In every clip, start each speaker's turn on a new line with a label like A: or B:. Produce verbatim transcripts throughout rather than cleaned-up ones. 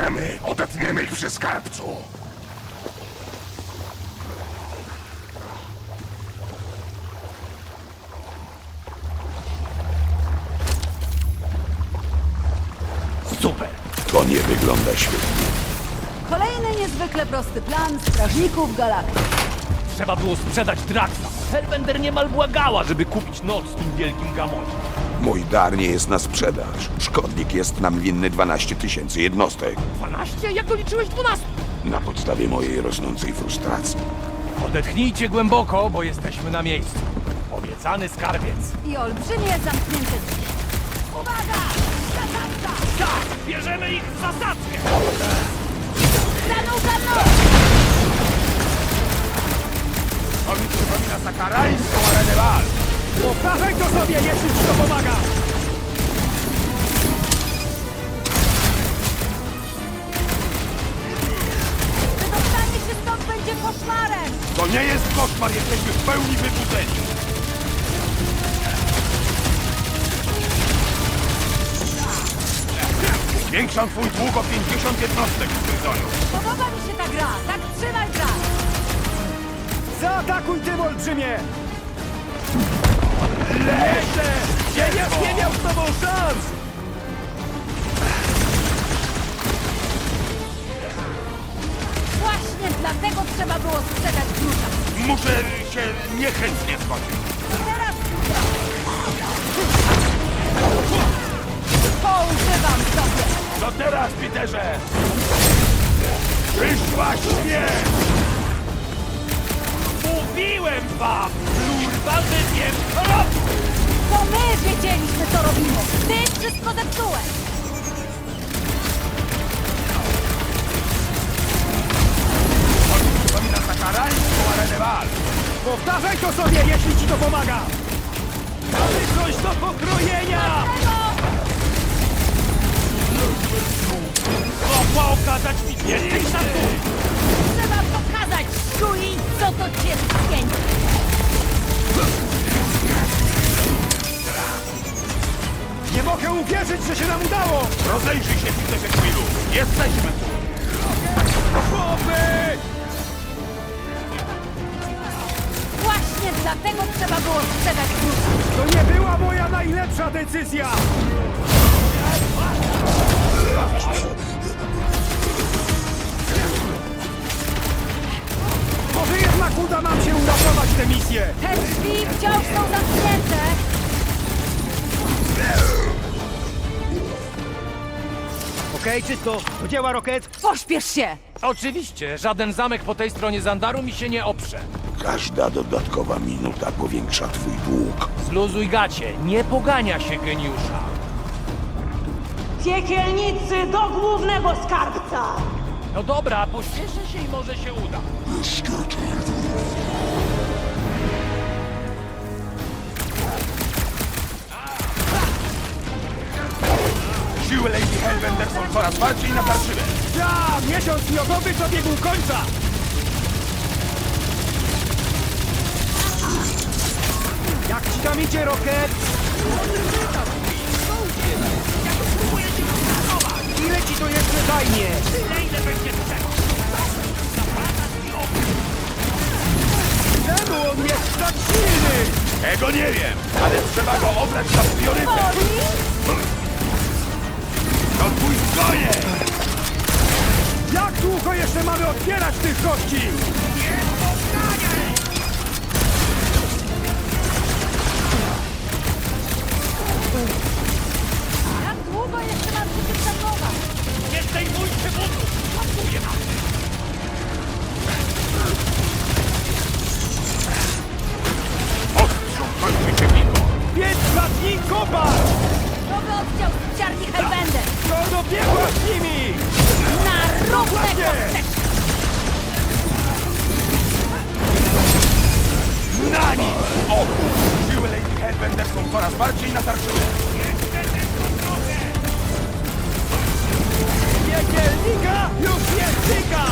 A: Idziemy! Odetniemy ich przy skarbcu!
B: Super!
A: To nie wygląda świetnie.
C: Kolejny niezwykle prosty plan strażników galaktyki.
B: Trzeba było sprzedać Draxa. Hellbender niemal błagała, żeby kupić noc w tym wielkim gamonie.
A: Mój dar nie jest na sprzedaż. Szkodnik jest nam winny dwanaście tysięcy jednostek.
B: dwanaście? Jak doliczyłeś dwanaście?
A: Na podstawie mojej rosnącej frustracji.
B: Odetchnijcie głęboko, bo jesteśmy na miejscu. Obiecany skarbiec.
C: I olbrzymie zamknięte drzwi. Uwaga! Zasadzka!
B: Tak! Bierzemy ich w zasadzkę!
C: Za mną, za mną!
B: To mi przypomina sakarańską arenę wal. Powtarzaj to sobie, jeśli ci to pomaga!
C: Wydostanie się stąd będzie koszmarem!
B: To nie jest koszmar, jesteśmy w pełni wybudzeni. Zwiększam twój dług o pięćdziesiąt jednostek, Tryzoniu.
C: Podoba mi się ta gra! Tak trzymaj gra!
B: Zaatakuj tym, olbrzymie! Lecę! Ziemiasz nie miał z tobą szans!
C: Właśnie dlatego trzeba było sprzedać klucza.
B: Muszę się niechętnie zgodzić.
C: Teraz... Poużywam sobie!
B: Co teraz, Peterze? Przyszła śmierć! Mówiłem wam! Kurwa, że wiem, co robię!
C: To my wiedzieliśmy, co robimy! Ty wszystko zepsułeś!
B: Przypomina sakarańską arenę wal. Powtarzaj to sobie, jeśli ci to pomaga! Mamy coś do pokrojenia! Mogła okazać mi więcej szacunku!
C: Trzeba pokazać Shui, co to cię spięci!
B: Nie mogę uwierzyć, że się nam udało! Rozejrzyj się, Peterze Quillu! Jesteśmy tu! Chłopy!
C: Właśnie dlatego trzeba było sprzedać klucza.
B: To nie była moja najlepsza decyzja! Może jednak uda nam się uratować tę misję!
C: Te drzwi wciąż są zamknięte!
B: Okej, czysto. Do dzieła, Rocket.
C: Pośpiesz się!
B: Oczywiście, żaden zamek po tej stronie Zandaru mi się nie oprze.
A: Każda dodatkowa minuta powiększa twój dług.
B: Zluzuj gacie, nie pogania się geniusza.
D: Piekielnicy do głównego skarbca!
B: No dobra, pośpieszę się i może się uda. Siły Lady Hellbender są coraz bardziej natarczywe. Ja, miesiąc miodowy dobiegł końca! Jak ci tam idzie, Rocket? Ile ci to jeszcze zajmie? Tyle, ile będzie trzeba. Czemu on jest tak silny? Tego nie wiem, ale trzeba go obrać za priorytet. To twój zgoje! Jak długo jeszcze mamy otwierać tych gości? Nie powtarzaj!
C: Jak długo jeszcze mam się tym zajmować?
B: Nie zdejmujcie butów! Pasuje nam! Ostrzał kończy się Miko! Pięć latni kopar!
C: Nowy oddział spiciarni Hellbender!
B: To dobiegła z nimi!
C: Na równe
B: Właśnie!
C: kosteczki!
B: Na nic! O! Siły Lady Hellbender są coraz bardziej natarczywe! Piekielnika już jest tyka!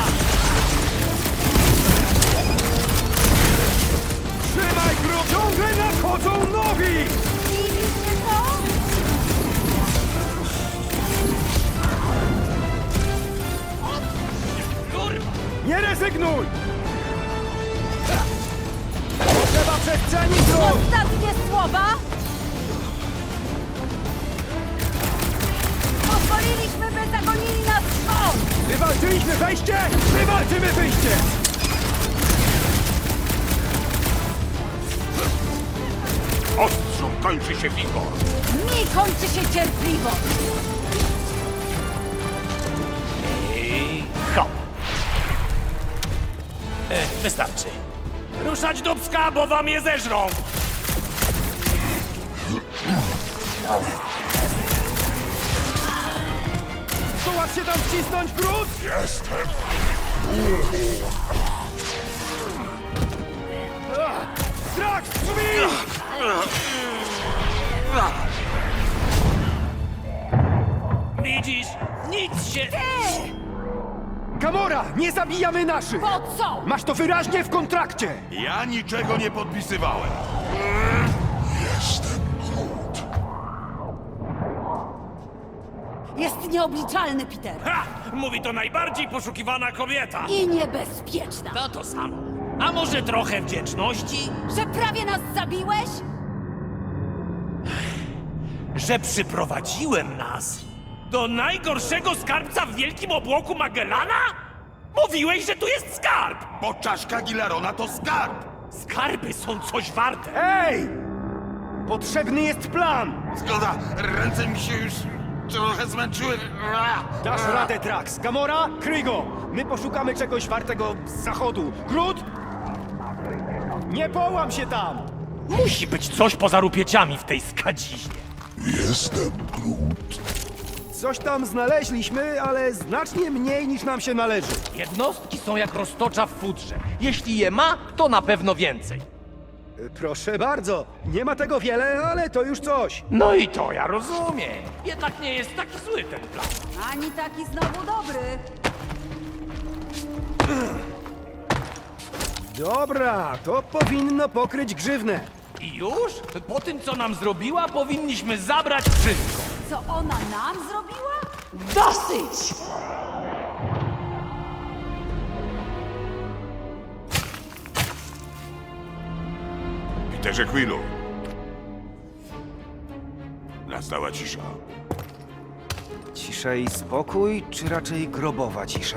B: Trzymaj grób! Ciągle nadchodzą nowi!
C: Widzicie to?
B: Pilnuj! Potrzeba przestrzeni, Groot!
C: Ostatnie słowa? Pozwoliliśmy, by zagonili nas stąd!
B: Wywalczyliśmy wejście, wywalczymy wyjście!
A: Ostrzu kończy się wigor.
C: Mi kończy się cierpliwość!
E: I hop. E, wystarczy. Ruszać do pska, bo wam je zeżrą!
B: Zdołasz się tam wcisnąć, Groot?
A: Jestem.
B: Drax, drzwi!
E: Widzisz? Nic się...
B: Gamora, nie zabijamy naszych!
C: Po co?
B: Masz to wyraźnie w kontrakcie!
A: Ja niczego nie podpisywałem.
C: Jest nieobliczalny, Peter!
E: Ha! Mówi to najbardziej poszukiwana kobieta!
C: I niebezpieczna!
E: To to samo. A może trochę wdzięczności?
C: Że prawie nas zabiłeś?
E: Że przyprowadziłem nas do najgorszego skarbca w wielkim obłoku Magellana? Mówiłeś, że tu jest skarb!
A: Bo czaszka Gilarona to skarb.
E: Skarby są coś warte!
B: Ej! Potrzebny jest plan!
A: Zgoda, ręce mi się już trochę zmęczyły.
B: Dasz radę, Drax. Gamora, kryj go! My poszukamy czegoś wartego z zachodu. Groot? Nie połam się tam!
E: Musi być coś poza rupieciami w tej skadziźnie.
B: Coś tam znaleźliśmy, ale znacznie mniej niż nam się należy.
F: Jednostki są jak roztocza w futrze. Jeśli je ma, to na pewno więcej.
B: E, Proszę bardzo. Nie ma tego wiele, ale to już coś.
F: No i to ja rozumiem. Jednak nie jest taki zły ten plan.
C: Ani taki znowu dobry!
B: Dobra, to powinno pokryć grzywnę.
F: I już? Po tym, co nam zrobiła, powinniśmy zabrać wszystko.
C: Co ona nam zrobiła?
D: Dosyć!
A: Peterze Quillu. Nastała cisza.
G: Cisza i spokój, czy raczej grobowa cisza?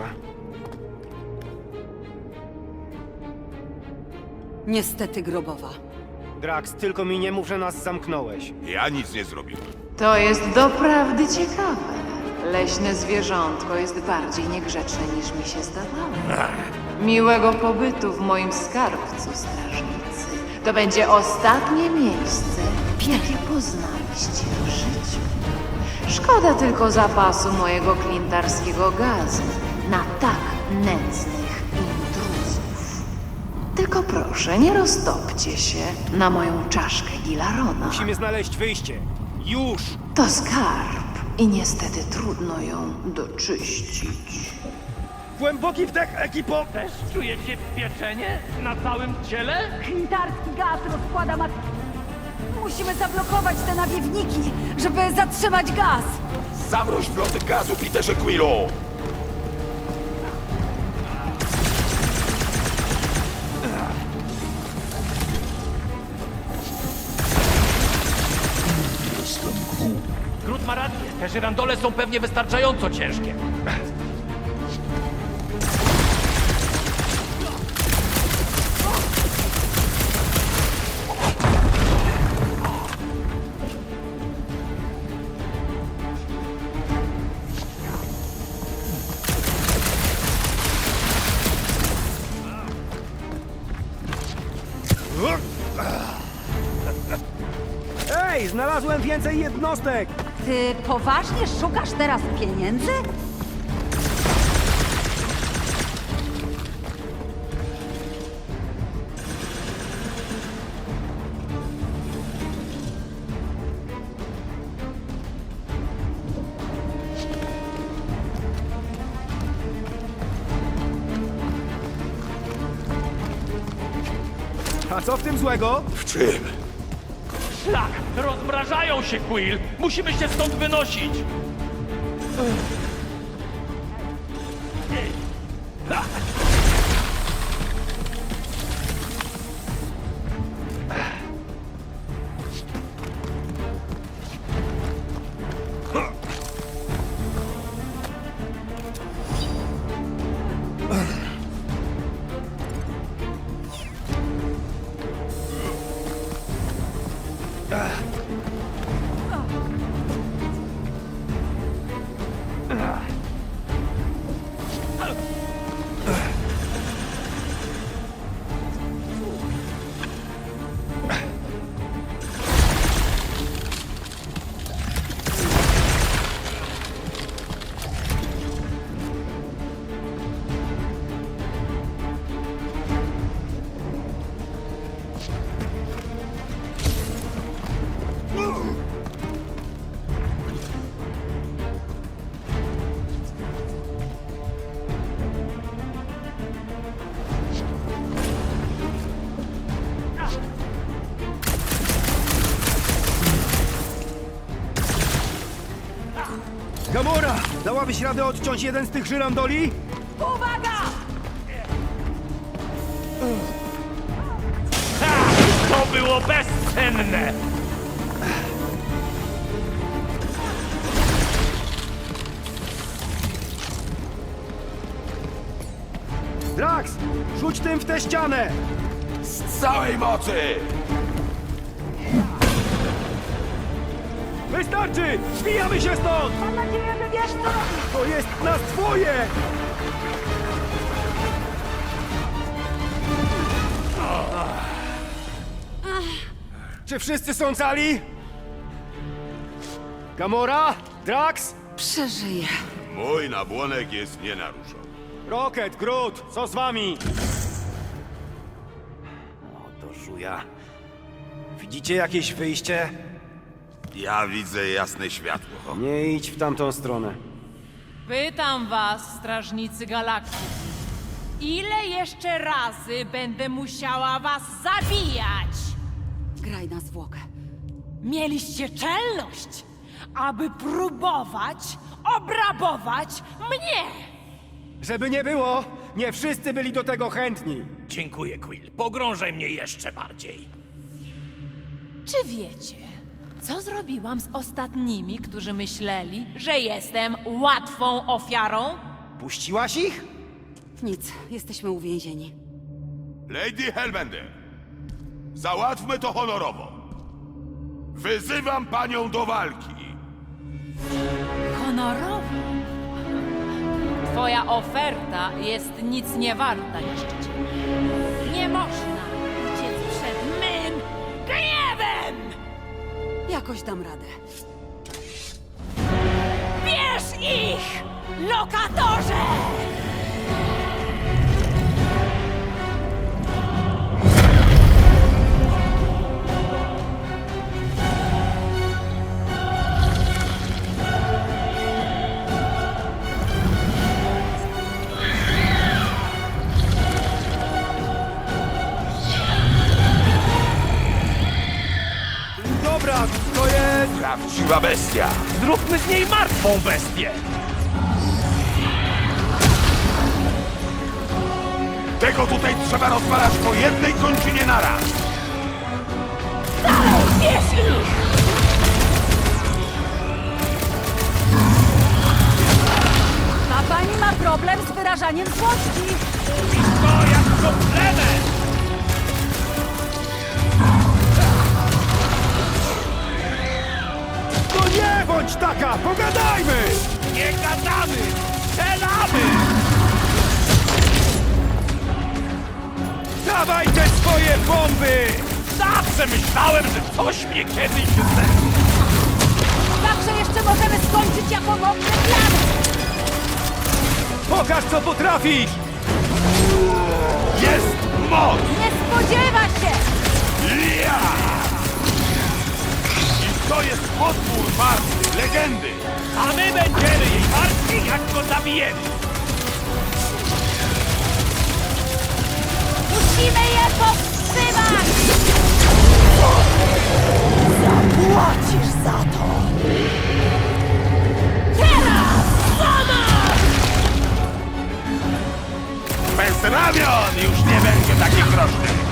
C: Niestety grobowa.
B: Drax, tylko mi nie mów, że nas zamknąłeś.
A: Ja nic nie zrobiłem.
H: To jest doprawdy ciekawe. Leśne zwierzątko jest bardziej niegrzeczne niż mi się zdawało. Miłego pobytu w moim skarbcu, strażnicy. To będzie ostatnie miejsce, jakie poznaliście w życiu. Szkoda tylko zapasu mojego klintarskiego gazu na tak nędznych intruzów. Tylko proszę, nie roztopcie się na moją czaszkę Gilarona.
B: Musimy znaleźć wyjście. Już!
H: To skarb i niestety trudno ją doczyścić.
B: Głęboki wdech, ekipo!
F: Też czujecie pieczenie na całym ciele?
C: Klintarski gaz rozkłada mat... Musimy zablokować te nawiewniki, żeby zatrzymać gaz!
A: Zamroź wloty gazu, Peterze Quillu!
F: Groot ma rację. Te żyrandole są pewnie wystarczająco ciężkie.
B: Ej, znalazłem więcej jednostek!
C: Ty poważnie szukasz teraz pieniędzy?
B: A co w tym złego?
A: W czym?
F: Szlak! Rozmrażają się, Quill! Musimy się stąd wynosić!
B: Gamora! Dałabyś radę odciąć jeden z tych żyrandoli?
C: Uwaga!
E: Ha! To było bezcenne!
B: Drax! Rzuć tym w tę ścianę!
A: Z całej mocy!
B: Wystarczy! Zbijamy się stąd!
C: Mam nadzieję, że wiesz co robisz!
B: To jest nas dwoje! Czy wszyscy są cali? Gamora? Drax?
C: Przeżyję.
A: Mój nabłonek jest nienaruszony.
B: Rocket, Groot, co z wami?
G: O, to żuja. Widzicie jakieś wyjście?
A: Ja widzę jasne światło.
B: Nie idź w tamtą stronę.
I: Pytam was, strażnicy galaktyki. Ile jeszcze razy będę musiała was zabijać?
C: Graj na zwłokę.
I: Mieliście czelność, aby próbować obrabować mnie!
B: Żeby nie było, nie wszyscy byli do tego chętni.
E: Dziękuję, Quill. Pogrążaj mnie jeszcze bardziej.
I: Czy wiecie, co zrobiłam z ostatnimi, którzy myśleli, że jestem łatwą ofiarą?
B: Puściłaś ich?
C: Nic, jesteśmy uwięzieni.
A: Lady Hellbender, załatwmy to honorowo. Wyzywam panią do walki.
I: Honorowo. Twoja oferta jest nic nie warta, niszczyciel. Nie można uciec przed mym gniewem!
C: Jakoś dam radę.
I: Bierz ich, lokatorze!
B: Dobra, to jest...
A: Prawdziwa bestia.
E: Zróbmy z niej martwą bestię!
A: Tego tutaj trzeba rozwalać po jednej kończynie naraz.
I: Bierz ich!
C: Ta pani ma problem z wyrażaniem złości.
E: To jak komplement!
B: No nie bądź taka, pogadajmy!
E: Nie gadamy! Strzelamy!
B: Dawaj te swoje bomby!
E: Zawsze myślałem, że coś mnie kiedyś zde...
C: Zawsze jeszcze możemy skończyć jako mądre plany.
B: Pokaż, co potrafisz!
A: Jest moc!
C: Nie spodziewa się!
A: Ja! I to jest potwór martwy, legendy!
E: A my będziemy jej martwi, jak go zabijemy!
C: Musimy je powstrzymać!
I: Zapłacisz za to! Teraz! Sama!
A: Bez ramion już nie będzie takich groźnych!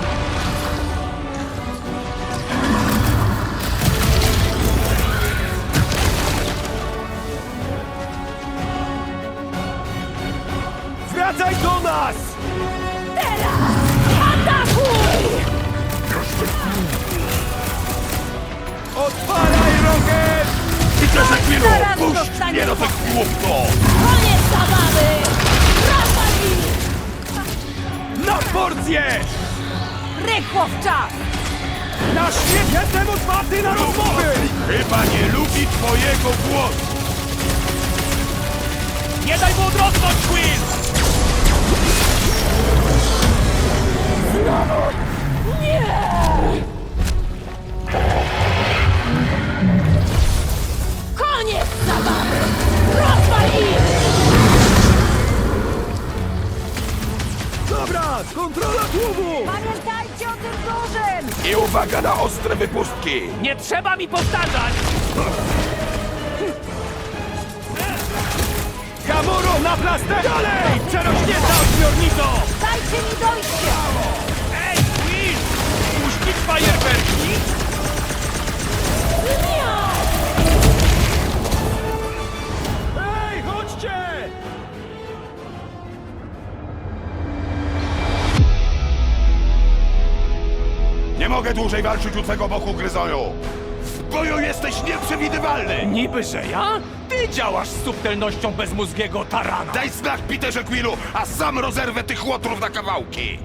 B: Wracaj do nas!
I: Atakuj!
A: głupco!
I: Koniec zabawy! Rozwali!
B: Na porcję!
C: Rychło w czas!
B: Na świat jestem otwarty na rozmowy!
A: Chyba nie lubi twojego głosu!
E: Nie daj mu odrosnąć, Quill!
I: Koniec zabawy! Rozwali!
B: Dobra, kontrola tłumu!
C: Pamiętajcie o tym dużym!
A: I uwaga na ostre wypustki!
E: Nie trzeba mi powtarzać!
B: Gamoro na plaster! Dalej! Przerośnięta ośmiornico!
C: Dajcie mi dojście!
E: Ej, Quill! Puścić fajerwerki?
B: Ej, chodźcie!
A: Nie mogę dłużej walczyć u twego boku, Gryzoju! W boju jesteś nieprzewidywalny!
E: Niby, że ja? Ty działasz z subtelnością bezmózgiego tarana!
A: Daj znak, Peterze Quillu, a sam rozerwę tych łotrów na kawałki!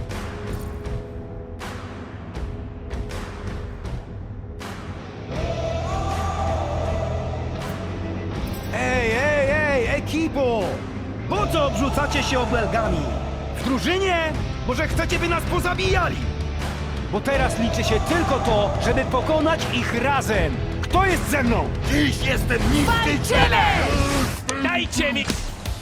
B: Ej, ej, ej, ekipo! Po co obrzucacie się obelgami? W drużynie? Może chcecie, by nas pozabijali? Bo teraz liczy się tylko to, żeby pokonać ich razem. Kto jest ze mną?
A: Dziś jestem niszczycielem!
E: Dajcie mi...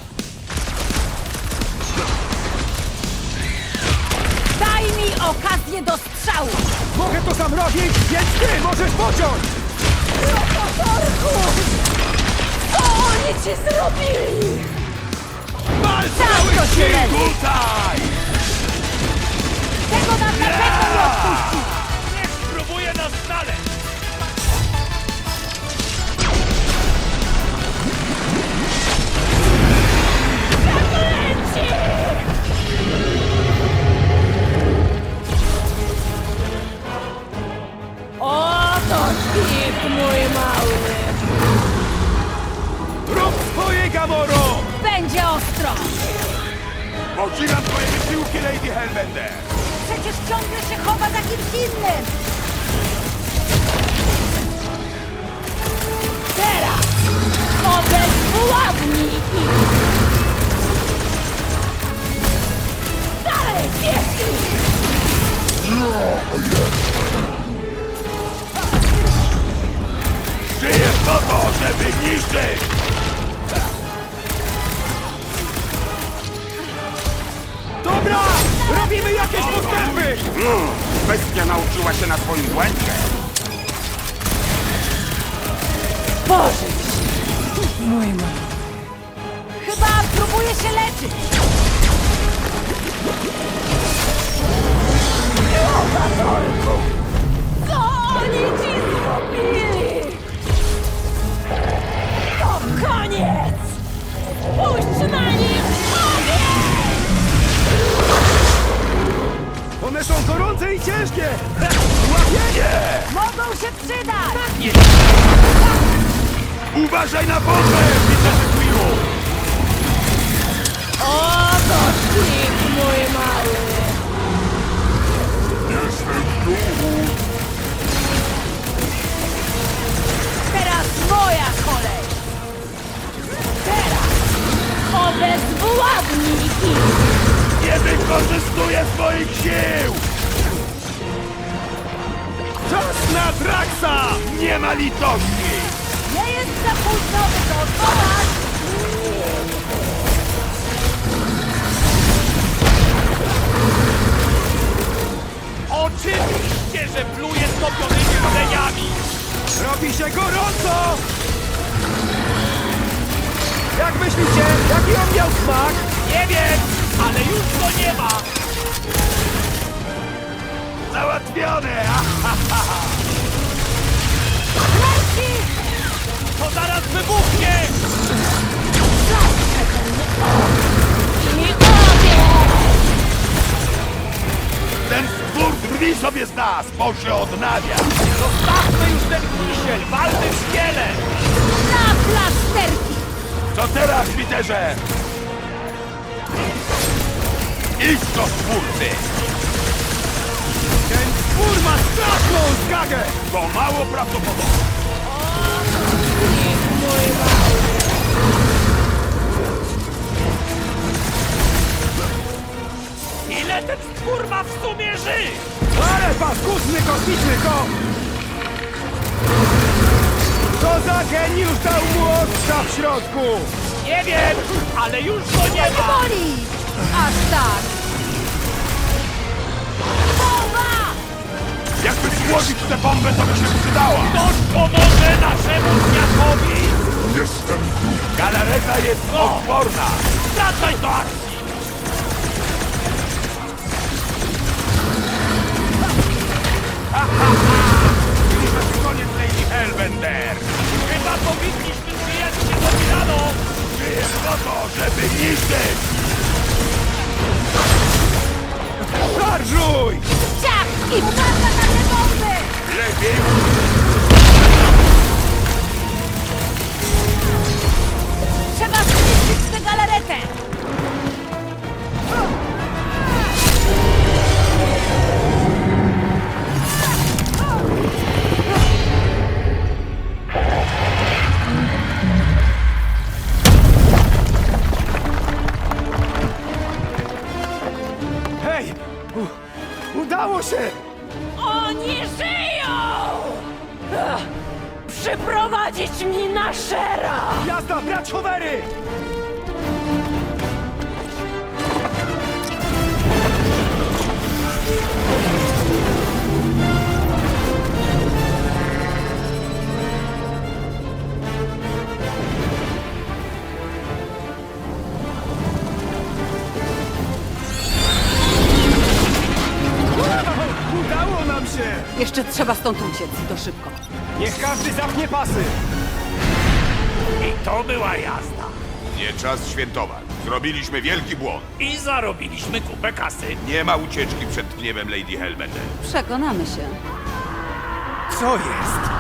C: Daj mi okazję do strzału!
B: Mogę to sam robić, więc ty możesz pociąć!
C: Co oni ci zrobili?
B: Wal
C: Tak,
B: cały
C: to się
B: sił
C: leży.
B: tutaj!
C: Tego nam na pewno nie odpuści!
E: Niech spróbuję nas znaleźć!
I: Oto śpik, mój mały!
B: Rób swoje, Gamoro!
C: Będzie ostro!
A: Podziwiam twoje wysiłki, Lady Hellbender!
C: Przecież ciągle się chowa za kimś innym!
I: Teraz! Obezwładnij ich! Dalej, pieski!
A: Żyjesz po to, żeby niszczyć!
B: Dobra! Robimy jakieś postępy!
A: Mm, bestia nauczyła się na swoim błędzie!
C: Chyba próbuje się leczyć!
I: Co oni ci zrobili? To koniec! Puść na nich ogień!
B: One są gorące i ciężkie! Łapienie!
C: Mogą się przydać!
A: Uważaj na bombę, Peterze Quillu!
I: Oto śpik, mój mały!
A: Jestem tu!
C: Teraz moja kolej!
I: Teraz! Obezwładnij ich!
A: Nie wykorzystuję swoich sił!
B: Czas na Draxa!
A: Nie ma litości!
C: Nie jest za późno, by to odwołać!
E: Oczywiście, że pluje stopionymi rdzeniami!
B: Robi się gorąco! Jak myślicie, jaki on miał smak?
E: Nie wiem, ale już go nie ma!
A: Załatwione!
C: Leci!
E: To zaraz wybuchnie!
I: I ogień!
A: Ten stwór drwi sobie z nas, bo się odnawia!
E: Zostawmy już ten kisiel, walny szkielet!
C: Na plasterki!
A: Co teraz, Peterze? Idź do twórcy!
B: Ten twór ma straszną zgagę!
A: To mało prawdopodobne.
E: Ile ten stwór ma w sumie żyć?
B: Ale paskudny kosmiczny kot! Co za geniusz dał mu ostrza w środku?
E: Nie wiem, ale już go nie ma!
C: Boli! Aż tak! Bomba!
A: Jakby złożyć tę bombę, to by się przydała.
E: Ktoś pomoże naszemu światowi!
A: Galareta jest odporna.
E: Wracaj do akcji!
A: Koniec Lady Hellbender.
E: Chyba powinniśmy zwijać się do Milano!
A: Żyję po to, żeby niszczyć.
B: Szarżuj!
C: Ciach! I uwaga na te bomby!
A: Lepiej.
C: Trzeba zniszczyć tę galaretę!
B: Hej! U, udało się!
D: Oni żyją! Ach, przyprowadzić mi Nashera!
B: Jazda, brać howery! Wow, udało nam się!
C: Jeszcze trzeba stąd uciec, to szybko.
B: Niech każdy zapnie pasy!
E: I to była jazda.
A: Nie czas świętować. Zrobiliśmy wielki błąd.
E: I zarobiliśmy kupę kasy.
A: Nie ma ucieczki przed gniewem Lady Hellbender.
C: Przekonamy się.
B: Co jest?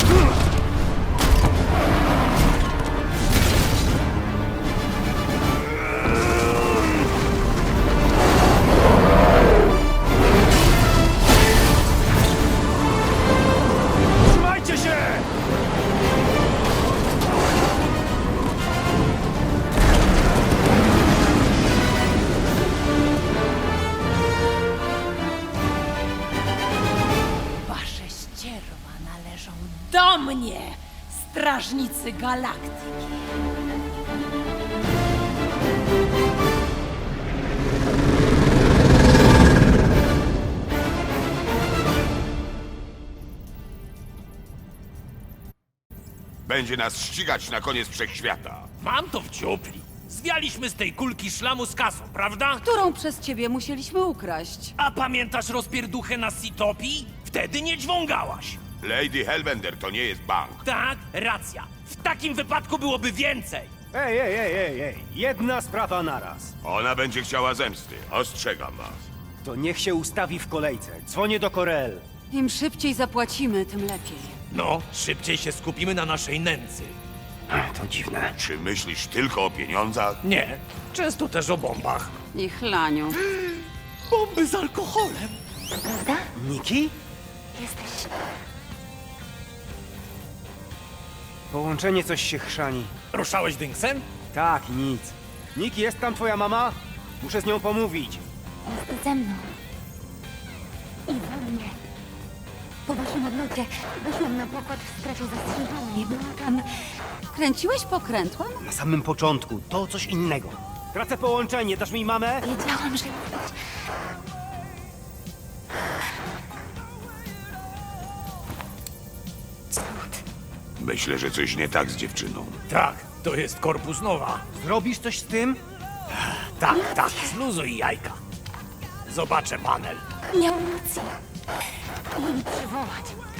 B: Trzymajcie się!
I: Wasze ścierwa należą do mnie, strażnicy galaktyki.
A: Będzie nas ścigać na koniec wszechświata.
E: Mam to w ciupli. Zwialiśmy z tej kulki szlamu z kasą, prawda?
C: Którą przez ciebie musieliśmy ukraść?
E: A pamiętasz rozpierduchę na Sitopii? Wtedy nie dźwągałaś.
A: Lady Hellbender to nie jest bank.
E: Tak, racja. W takim wypadku byłoby więcej.
B: Ej, ej, ej, ej, ej! Jedna sprawa naraz.
A: Ona będzie chciała zemsty. Ostrzegam was.
B: To niech się ustawi w kolejce. Dzwonię do Korel.
C: Im szybciej zapłacimy, tym lepiej.
E: No, szybciej się skupimy na naszej nędzy.
B: To dziwne.
A: Czy myślisz tylko o pieniądzach?
E: Nie, często też o bombach.
C: I chlaniu.
E: Bomby z alkoholem.
B: Niki? Połączenie coś się chrzani.
E: Ruszałeś dynksem?
B: Tak, nic. Niki, jest tam twoja mama? Muszę z nią pomówić.
J: Jest ze mną. I we mnie. Po waszym odlocie wyszłam na pokład w strefie zastrzeżonej. Była tam...
C: Kręciłeś pokrętłem?
B: Na samym początku, to coś innego. Tracę połączenie, dasz mi mamę?
J: Wiedziałam, że... Cud.
A: Myślę, że coś nie tak z dziewczyną.
E: Tak, to jest korpus nowa.
B: Zrobisz coś z tym?
E: Tak, tak, zluzuj jajka. Zobaczę panel.
J: Miał rację. Jej przywołać.